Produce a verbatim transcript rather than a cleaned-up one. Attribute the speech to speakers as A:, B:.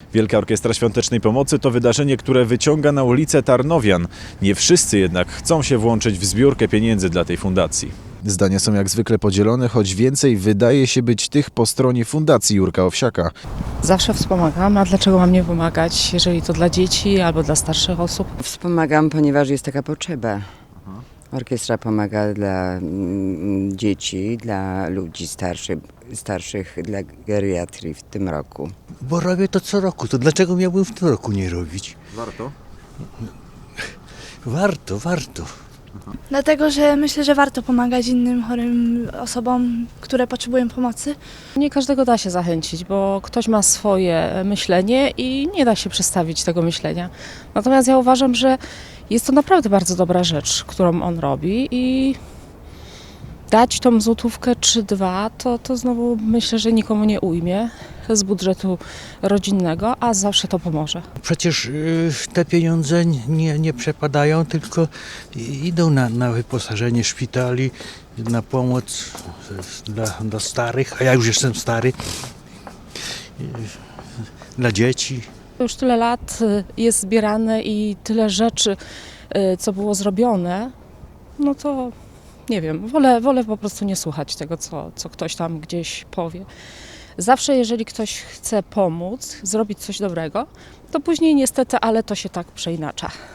A: Wielka Orkiestra Świątecznej Pomocy to wydarzenie, które wyciąga na ulicę Tarnowian. Nie wszyscy jednak chcą się włączyć w zbiórkę pieniędzy dla tej fundacji. Zdania są jak zwykle podzielone, choć więcej wydaje się być tych po stronie Fundacji Jurka Owsiaka.
B: Zawsze wspomagam, a dlaczego mam nie pomagać, jeżeli to dla dzieci albo dla starszych osób?
C: Wspomagam, ponieważ jest taka potrzeba. Orkiestra pomaga dla mm, dzieci, dla ludzi starszych, starszych, dla geriatrii w tym roku.
D: Bo robię to co roku, to dlaczego miałbym w tym roku nie robić?
A: Warto?
D: Warto, warto.
E: Dlatego, że myślę, że warto pomagać innym chorym osobom, które potrzebują pomocy.
B: Nie każdego da się zachęcić, bo ktoś ma swoje myślenie i nie da się przestawić tego myślenia. Natomiast ja uważam, że jest to naprawdę bardzo dobra rzecz, którą on robi i dać tą złotówkę czy dwa, to, to znowu myślę, że nikomu nie ujmie z budżetu rodzinnego, a zawsze to pomoże.
D: Przecież y, te pieniądze nie, nie przepadają, tylko idą na, na wyposażenie szpitali, na pomoc dla, dla starych, a ja już jestem stary, y, dla dzieci.
B: Już tyle lat jest zbierane i tyle rzeczy, co było zrobione, no to nie wiem, wolę, wolę po prostu nie słuchać tego, co, co ktoś tam gdzieś powie. Zawsze jeżeli ktoś chce pomóc, zrobić coś dobrego, to później niestety, ale to się tak przeinacza.